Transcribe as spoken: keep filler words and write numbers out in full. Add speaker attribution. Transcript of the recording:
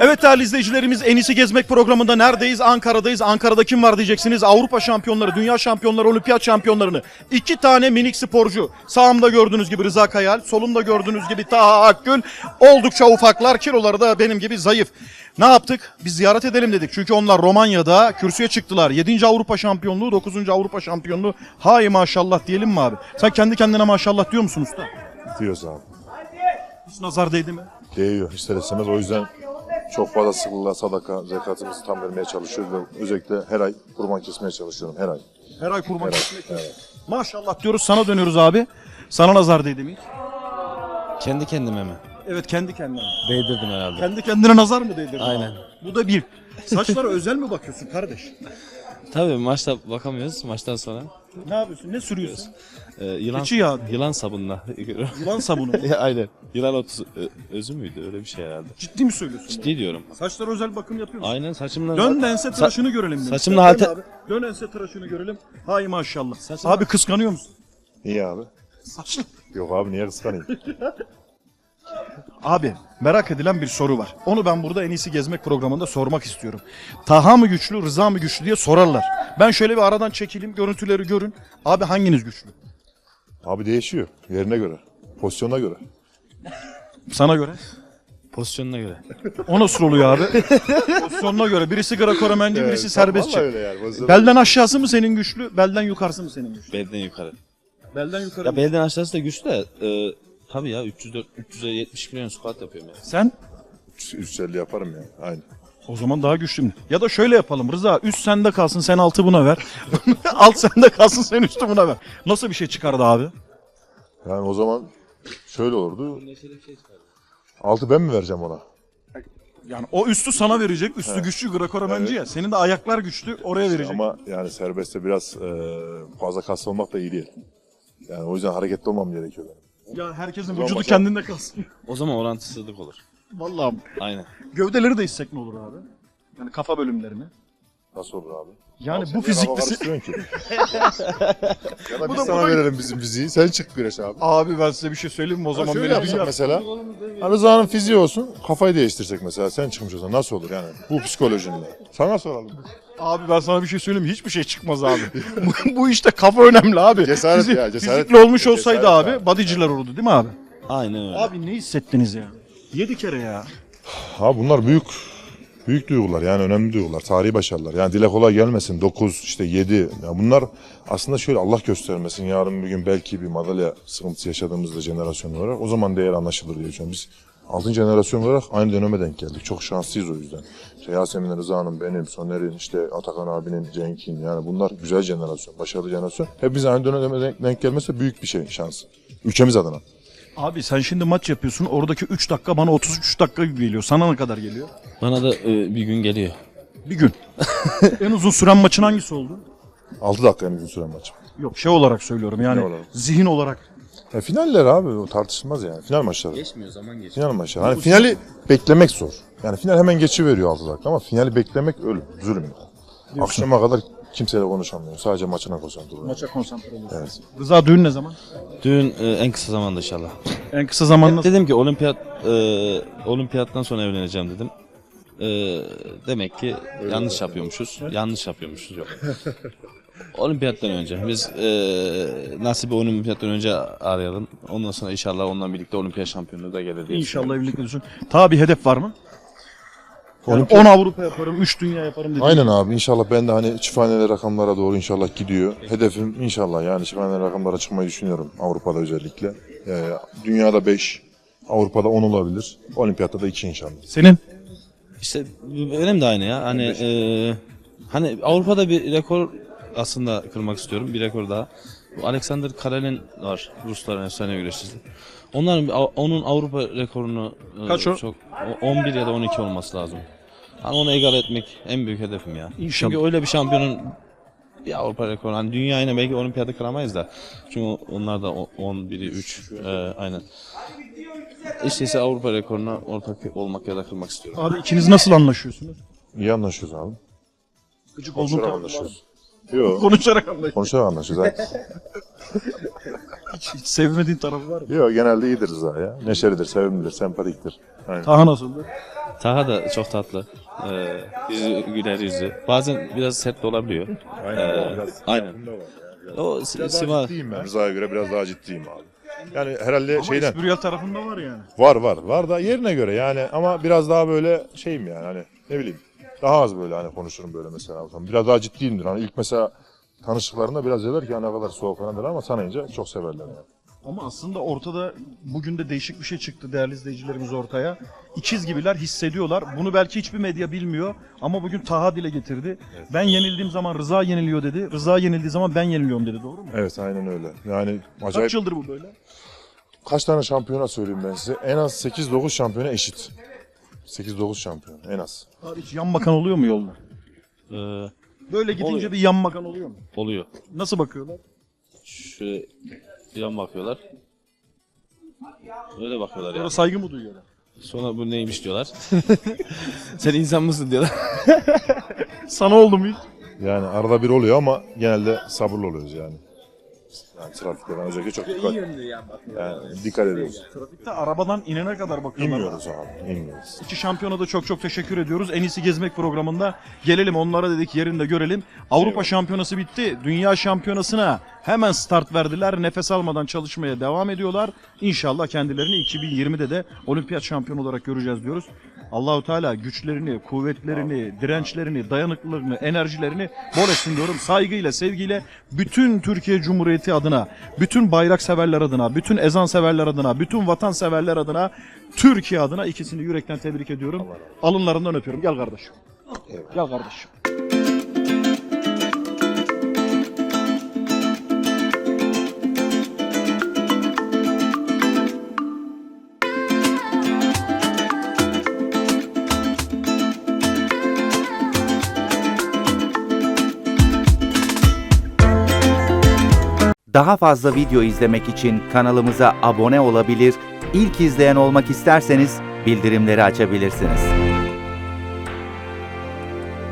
Speaker 1: Evet değerli izleyicilerimiz, En İyisi Gezmek programında neredeyiz? Ankara'dayız. Ankara'da kim var diyeceksiniz. Avrupa şampiyonları, dünya şampiyonları, olimpiyat şampiyonlarını. İki tane minik sporcu. Sağımda gördüğünüz gibi Rıza Kayal, solumda gördüğünüz gibi Taha Akgül. Oldukça ufaklar, kiloları da benim gibi zayıf. Ne yaptık? Biz ziyaret edelim dedik. Çünkü onlar Romanya'da kürsüye çıktılar. yedinci Avrupa şampiyonluğu, dokuzuncu Avrupa şampiyonluğu. Hay maşallah diyelim mi abi? Sen kendi kendine maşallah diyor musun usta?
Speaker 2: Diyoruz abi.
Speaker 1: Hiç nazar değdi mi?
Speaker 2: Değiyor ister istemez. O yüzden çok fazla sıklığa sadaka, zekatımızı tam vermeye çalışıyoruz ve özellikle her ay kurban kesmeye çalışıyorum her ay.
Speaker 1: Her ay kurban
Speaker 2: Her ay.
Speaker 1: kesmek.
Speaker 2: Evet.
Speaker 1: Maşallah diyoruz, sana dönüyoruz abi. Sana nazar değdi mi hiç?
Speaker 3: Kendi kendime mi?
Speaker 1: Evet, kendi kendine.
Speaker 3: Değdirdim herhalde.
Speaker 1: Kendi kendine nazar mı değdirdin?
Speaker 3: Aynen.
Speaker 1: abi? Bu da bir. Saçlara özel mi bakıyorsun kardeş?
Speaker 3: Tabii maçta bakamıyoruz maçtan sonra.
Speaker 1: Ne yapıyorsun? Ne sürüyorsun?
Speaker 3: Ee, yılan,
Speaker 1: Keçi yağı.
Speaker 3: yılan sabunla.
Speaker 1: Yılan sabunu.
Speaker 3: Aynen. Yılan otu ö- özü müydü öyle bir şey herhalde.
Speaker 1: Ciddi mi söylüyorsun?
Speaker 3: Ciddi diyorum.
Speaker 1: Saçlara özel bakım yapıyor musun?
Speaker 3: Aynen saçımla.
Speaker 1: Dön de ense
Speaker 3: Sa-
Speaker 1: tıraşını görelim. demiş.
Speaker 3: saçımla
Speaker 1: Dön
Speaker 3: halte-
Speaker 1: abi. Dön ense tıraşını görelim. Hay maşallah.
Speaker 3: Saçımla-
Speaker 1: Abi kıskanıyor musun?
Speaker 2: Niye abi?
Speaker 1: Saçlı.
Speaker 2: Yok abi niye kıskanayım?
Speaker 1: Abi merak edilen bir soru var. Onu ben burada En İyisi Gezmek programında sormak istiyorum. Taha mı güçlü, Rıza mı güçlü diye sorarlar. Ben şöyle bir aradan çekileyim, görüntüleri görün. Abi hanginiz güçlü?
Speaker 2: Abi değişiyor yerine göre, pozisyona göre.
Speaker 1: Sana göre.
Speaker 3: Pozisyonuna göre.
Speaker 1: O nasıl oluyor abi? Pozisyonuna göre. Birisi Greco-Romenci, birisi serbestçi.
Speaker 2: Vallahi öyle yani. Pozisyona-
Speaker 1: Belden aşağısı mı senin güçlü, belden yukarısı mı senin güçlü?
Speaker 3: Belden yukarı.
Speaker 1: Belden yukarı.
Speaker 3: Ya
Speaker 1: mı?
Speaker 3: belden aşağısı da güçlü de e, tabii ya üç yüz dört üç yüz yetmiş kilo squat yapıyorum ya.
Speaker 1: Sen?
Speaker 2: üç yüz elli yaparım ya. Aynı.
Speaker 1: O zaman daha güçlü. Ya da şöyle yapalım Rıza, üst sende kalsın, sen altı buna ver. Alt sende kalsın, sen üstü buna ver. Nasıl bir şey çıkardı abi?
Speaker 2: Yani o zaman şöyle olurdu. Altı ben mi vereceğim ona?
Speaker 1: Yani o üstü sana verecek, üstü güçlü Greco-Romenci ya. Senin de ayaklar güçlü, oraya verecek.
Speaker 2: Ama yani serbestte biraz e, fazla kas olmak da iyi değil. Yani o yüzden hareketli olmam gerekiyor benim.
Speaker 1: Ya herkesin
Speaker 2: zaman
Speaker 1: vücudu
Speaker 2: başa-
Speaker 1: kendinde kalsın.
Speaker 3: O zaman orantısızlık olur.
Speaker 1: Vallahi
Speaker 3: Aynen.
Speaker 1: gövdeleri de hissek ne olur abi? Yani kafa bölümlerini.
Speaker 2: Nasıl olur abi?
Speaker 1: Yani
Speaker 2: Sen
Speaker 1: bu
Speaker 2: niye kafa
Speaker 1: fiziklisi...
Speaker 2: karıştırıyorsun ki? Ya da
Speaker 1: Bu
Speaker 2: biz
Speaker 1: da-
Speaker 2: sana
Speaker 1: bu da-
Speaker 2: verelim bizim fiziği. Sen çık güreş abi.
Speaker 1: Abi ben size bir şey söyleyeyim mi o zaman?
Speaker 2: Şöyle
Speaker 1: Beni
Speaker 2: yapsak
Speaker 1: dünya-
Speaker 2: mesela. Hani Rıza'nın fiziği olsun, kafayı değiştirsek mesela. Sen çıkmış olsan nasıl olur yani? Bu psikolojinle. Sana soralım.
Speaker 1: Abi ben sana bir şey söyleyeyim mi? Hiçbir şey çıkmaz abi. bu, bu işte kafa önemli abi.
Speaker 2: Cesaret
Speaker 1: Fizi-
Speaker 2: ya, cesaret.
Speaker 1: Fizikli olmuş
Speaker 2: Cesaret
Speaker 1: olsaydı abi,
Speaker 2: abi.
Speaker 1: bodyciler olurdu değil mi abi?
Speaker 3: Aynen öyle.
Speaker 1: Abi ne hissettiniz ya? Yedi kere ya.
Speaker 2: Ha bunlar büyük büyük duygular yani önemli duygular. Tarihi başarılar. Yani dile kolay gelmesin. dokuz işte yedi. Ya bunlar aslında şöyle Allah göstermesin. Yarın bir gün belki bir madalya sıkıntısı yaşadığımızda jenerasyon olarak o zaman değer anlaşılır diye düşünüyorum. Biz altıncı jenerasyon olarak aynı döneme denk geldik. Çok şanslıyız o yüzden. İşte Yasemin Rıza'nın, benim, Soner'in, işte Atakan abinin, Cenk'in yani bunlar güzel jenerasyon, başarılı jenerasyon. Hepimiz aynı döneme denk, denk gelmesi büyük bir şey, şans. Ülkemiz adına.
Speaker 1: Abi sen şimdi maç yapıyorsun. Oradaki üç dakika bana otuz üç dakika gibi geliyor. Sana ne kadar geliyor?
Speaker 3: Bana da e, bir gün geliyor.
Speaker 1: Bir gün. En uzun süren maçın hangisi oldu?
Speaker 2: altı dakika en uzun süren maç.
Speaker 1: Yok şey olarak söylüyorum yani
Speaker 2: Ne olarak?
Speaker 1: zihin olarak.
Speaker 2: Ya finaller abi o tartışılmaz yani. Final maçları.
Speaker 3: Geçmiyor zaman geçmiyor.
Speaker 2: Final maçları. Hani finali beklemek zor. Yani final hemen geçiveriyor altı dakika ama finali beklemek ölüm, zulüm. Akşama kadar kimseyle konuşamıyor. Sadece maçına konsantre oluyor.
Speaker 1: Maça konsantre oluyorsun.
Speaker 2: Evet.
Speaker 1: Rıza düğün ne zaman?
Speaker 3: Düğün e, en kısa zamanda inşallah.
Speaker 1: En kısa zamanda.
Speaker 3: Dedim ki olimpiyat e, olimpiyattan sonra evleneceğim dedim. E, demek ki yanlış yapıyormuşuz. Yanlış yapıyormuşuz yok. Olimpiyattan önce biz e, nasibi olimpiyattan önce arayalım. Ondan sonra inşallah onunla birlikte olimpiyat şampiyonluğu da gelir diye
Speaker 1: İnşallah
Speaker 3: düşünüyorum.
Speaker 1: evlilik düşün. Ta bir hedef var mı? Yani
Speaker 2: Olimpiyat-
Speaker 1: on Avrupa yaparım, üç dünya yaparım dedi.
Speaker 2: Aynen abi inşallah ben de hani çifthaneli rakamlara doğru inşallah gidiyor. Hedefim inşallah yani çifthaneli rakamlara çıkmayı düşünüyorum Avrupa'da özellikle. Ee, dünyada beş, Avrupa'da on olabilir. Olimpiyatta da iki inşallah.
Speaker 1: Senin?
Speaker 3: İşte benim de aynı ya. Hani e, hani Avrupa'da bir rekor aslında kırmak istiyorum. Bir rekor daha. Bu Alexander Karelin var. Rusların efsane güreşçisi. Onların onun Avrupa rekorunu e,
Speaker 1: Kaç o?
Speaker 3: çok o- on bir ya da on iki olması lazım. Hani onu egal etmek en büyük hedefim ya.
Speaker 1: İnşallah.
Speaker 3: Çünkü öyle bir şampiyonun bir Avrupa rekoru hani dünya yine belki olimpiyada kıramayız da. Çünkü onlar da on biri üç e, aynen. İşte ise Avrupa rekoruna ortak olmak ya da kırmak istiyorum.
Speaker 1: Abi ikiniz nasıl anlaşıyorsunuz?
Speaker 2: İyi anlaşıyoruz abi.
Speaker 1: Gıcık
Speaker 2: Konuşarak
Speaker 1: oldun
Speaker 2: anlaşıyoruz. Yok.
Speaker 1: Konuşarak anlaşıyorsunuz.
Speaker 2: Konuşarak anlaşıyoruz abi.
Speaker 1: Hiç, hiç sevmediğin tarafı var mı?
Speaker 2: Yok, genelde iyidir Rıza ya. Neşelidir, sevimlidir, sempatiktir. Aynen.
Speaker 1: Taha nasıldı?
Speaker 3: Taha da çok tatlı. Ee, yüzü güler yüzü. Bazen biraz sert de olabiliyor. Ee, aynen. O Si-
Speaker 2: Biraz daha
Speaker 3: Sivas
Speaker 2: ciddiyim ben. Rıza'ya göre biraz daha ciddiyim abi. Yani herhalde
Speaker 1: Ama
Speaker 2: şeyden
Speaker 1: espriyel tarafında var yani.
Speaker 2: var var var da yerine göre yani, ama biraz daha böyle şeyim yani, hani ne bileyim, daha az böyle hani konuşurum böyle mesela. Biraz daha ciddiyimdir. Hani ilk mesela tanıştıklarında biraz derler ki ya ne kadar soğuk falan derler, ama tanıyınca çok severler yani.
Speaker 1: Ama aslında ortada bugün de değişik bir şey çıktı değerli izleyicilerimiz ortaya. İkiz gibiler, hissediyorlar. Bunu belki hiçbir medya bilmiyor ama bugün Taha dile getirdi. Ben yenildiğim zaman Rıza yeniliyor dedi. Rıza yenildiği zaman ben yeniliyorum dedi. Doğru mu?
Speaker 2: Evet, aynen öyle. Yani acayip.
Speaker 1: Kaç yıldır bu böyle?
Speaker 2: Kaç tane şampiyona söyleyeyim ben size? En az sekiz dokuz şampiyona eşit. sekiz dokuz şampiyon en az.
Speaker 1: Abi hiç yan bakan oluyor mu yolda?
Speaker 3: e,
Speaker 1: Böyle gidince
Speaker 3: Oluyor.
Speaker 1: bir yan bakan oluyor mu?
Speaker 3: oluyor.
Speaker 1: Nasıl bakıyorlar?
Speaker 3: Şöyle yan bakıyorlar. Öyle bakıyorlar
Speaker 1: Sonra
Speaker 3: yani.
Speaker 1: saygı mı duyuyorlar?
Speaker 3: Sonra bu neymiş diyorlar. Sen insan mısın diyorlar.
Speaker 1: Sana oldu mu hiç?
Speaker 2: Yani arada bir oluyor ama genelde sabırlı oluyoruz yani. Yani trafikte ben özellikle çok dikkat, yani dikkat ediyoruz.
Speaker 1: Trafikte arabadan inene kadar bakıyorlar.
Speaker 2: İnmiyoruz abi, inmiyoruz.
Speaker 1: İki şampiyona da çok çok teşekkür ediyoruz. En iyisi gezmek programında gelelim onlara dedik yerinde görelim. Avrupa şampiyonası bitti. Dünya şampiyonasına hemen start verdiler. Nefes almadan çalışmaya devam ediyorlar. İnşallah kendilerini iki bin yirmide de olimpiyat şampiyonu olarak göreceğiz diyoruz. Allahu Teala güçlerini, kuvvetlerini, dirençlerini, dayanıklılığını, enerjilerini bol etsin diyorum. Saygıyla, sevgiyle bütün Türkiye Cumhuriyeti adına, bütün bayrak severler adına, bütün ezan severler adına, bütün vatan severler adına, Türkiye adına ikisini yürekten tebrik ediyorum. Alınlarından öpüyorum. Gel kardeşim. Gel kardeşim.
Speaker 4: Daha fazla video izlemek için kanalımıza abone olabilir, ilk izleyen olmak isterseniz bildirimleri açabilirsiniz.